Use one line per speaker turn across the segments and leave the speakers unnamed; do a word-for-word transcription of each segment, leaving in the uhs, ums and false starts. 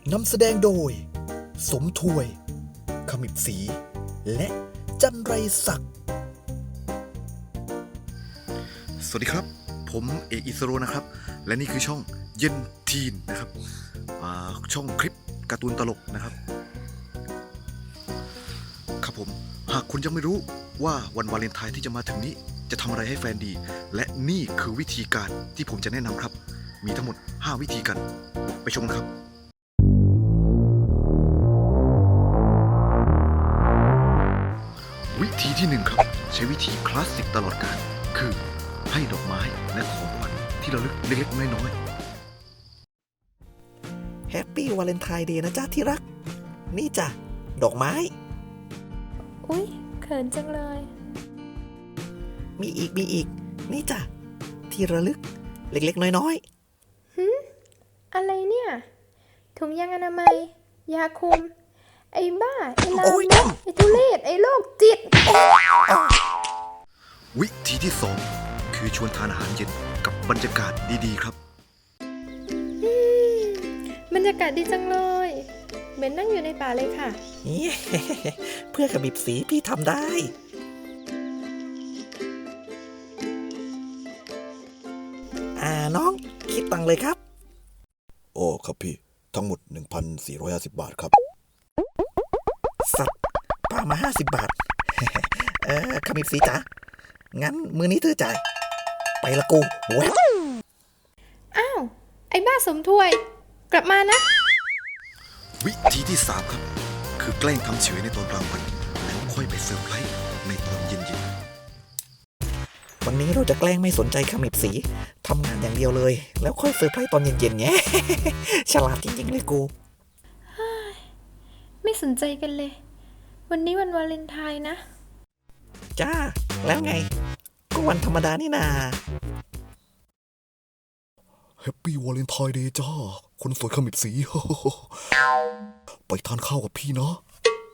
นำแสดงโดยสมถวยขมิบศรีและจันไรศักดิ์สวัสดีครับผมเอกอิสโรนะครับและนี่คือช่องเย็นทีนนะครับช่องคลิปการ์ตูนตลกนะครับครับผมหากคุณยังไม่รู้ว่าวันวาเลนไทน์ที่จะมาถึงนี้จะทำอะไรให้แฟนดีและนี่คือวิธีการที่ผมจะแนะนำครับมีทั้งหมดห้าวิธีกันไปชมกันครับวิธีที่หนึ่งครับใช้วิธีคลาสสิกตลอดกาลคือให้ดอกไม้และของขวัญที่ระลึกเล็กๆน้อยๆแฮปปี้วาเลนไทน์เดย์นะจ๊ะที่รักนี่จ้ะดอกไม้
อุ๊ยเขินจังเลย
มีอีกมีอีกนี่จ้ะที่ระลึกเล็กๆน้อย
ๆหืมอะไรเนี่ยถุงยางอนามัยยาคุมไอ้บ้าไอ้ลามกไอ้ทุเรศไอ้โรคจิต
วิธีที่สองคือชวนทานอาหารเย็นกับบรรยากาศดีๆครับ
บรรยากาศดีจังเลยเหมือนนั่งอยู่ในป่าเลยค่ะ
เพื่อขมิบสีพี่ทำได้อ่าน้องคิดตังเลยครับ
โอ้ครับพี่ทั้งหมด หนึ่งพันสี่ร้อยห้าสิบ บาทครับ
สัตว์ป้ามาห้าสิบบาทเออขมิบสีจ๋างั้นมือนี้เธอจ่ายไปละกูแว๊บ
อ้าวไอ้บ้าสมถวยกลับมานะ
วิธีที่สามครับคือแกล้งทำเฉยในตอนกลางวันแล้วค่อยไปเซอร์ไพรส์ในตอนเย็นๆวันนี้เราจะแกล้งไม่สนใจขมิบสีทำงานอย่างเดียวเลยแล้วค่อยเซอร์ไพรส์ตอนเย็นๆไง ฉลาดจริงๆเลยกู
ไม่สนใจกันเลยวันนี้วันวาเลนไทน์นะ
จ้าแล้วไงก็วันธรรมดานี่นา
แฮปปี้วาเลนไทน์เดย์จ้าคนสวยขมิบสี ไปทานข้าวกับพี่เนาะ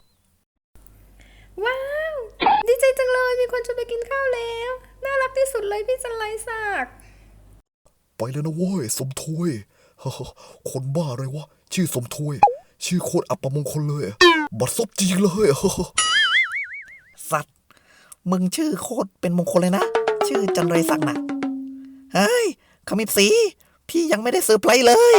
ว้าวดีใจจังเลยมีคนชวนไปกินข้าวแล้วน่ารักที่สุดเลยพี่จันไรศักดิ์
ไปแล้วนะเว้ยสมถวย คนบ้าอะไรวะชื่อสมถวยชื่อโคตรอัปมงคลเลยบัดซบจริงเลย
สัตว์มึงชื่อโคตรเป็นมงคลเลยนะชื่อจันไรศักดิ์นะเฮ้ยขมิบสีพี่ยังไม่ได้เซอร์ไพรส์เลย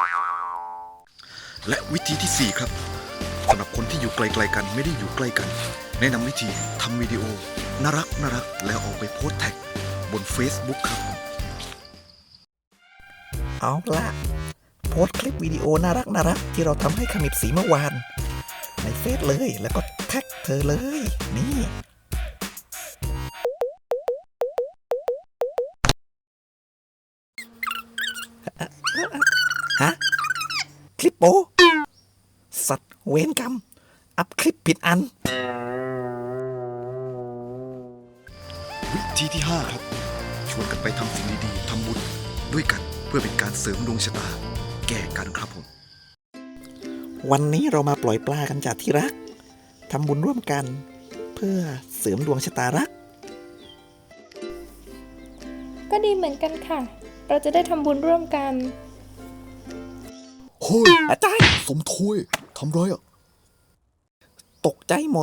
และวิธีที่สี่ครับสำหรับคนที่อยู่ไกลๆกันไม่ได้อยู่ใกล้กันแนะนำวิธีทำวิดีโอน่ารักน่ารักแล้วเอาไปโพสต์แท็กบน Facebook ครับเอาล่ะโพสต์คลิปวิดีโอน่ารักน่ารักที่เราทำให้ขมิบสีเมื่อวานในเฟซเลยแล้วก็แท็กเธอเลยนี่ฮะคลิปโป๊สัตว์เวรกรรมอัพคลิปผิดอันวิธีที่ห้าครับชวนกันไปทำสิ่งดีๆทำบุญด้วยกันเพื่อเป็นการเสริมดวงชะตาแก่กันครับผมวันนี้เรามาปล่อยปลากันจากที่รักทำบุญร่วมกันเพื่อเสริมดวงชะตารัก
ก็ดีเหมือนกันค่ะเราจะได้ทำบุญร่วมกัน
เฮ้ยอาจารย์สมถวยทำไรอ่ะ
ตกใจหมด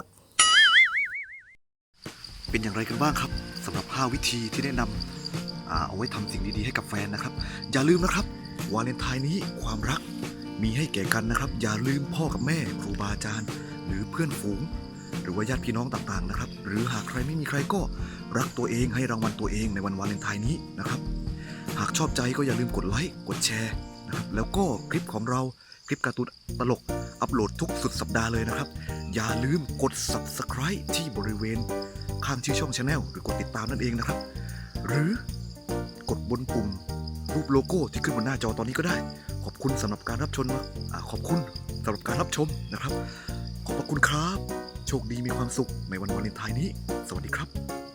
เป็นอย่างไรกันบ้างครับสำหรับห้าวิธีที่แนะนำเอาไว้ทำสิ่งดีๆให้กับแฟนนะครับอย่าลืมนะครับวาเลนไทน์นี้ความรักมีให้แก่กันนะครับอย่าลืมพ่อกับแม่ครูบาอาจารย์หรือเพื่อนฝูงหรือว่าญาติพี่น้องต่างๆนะครับหรือหากใครไม่มีใครก็รักตัวเองให้รางวัลตัวเองในวันวาเลนไทน์นี้นะครับหากชอบใจก็อย่าลืมกดไลค์กดแชร์นะครับแล้วก็คลิปของเราคลิปการ์ตูนตลกอัปโหลดทุกสุดสัปดาห์เลยนะครับอย่าลืมกด ซับสไครบ์ ที่บริเวณข้างชื่อช่อง Channel หรือกดติดตามนั่นเองนะครับหรือกดบนปุ่มรูปโลโก้ที่ขึ้นบนหน้าจอตอนนี้ก็ได้ขอบคุณสำหรับการรับชมขอบคุณสำหรับการรับชมนะครับขอบพระคุณครับโชคดีมีความสุขในวันวาเลนไทน์นี้สวัสดีครับ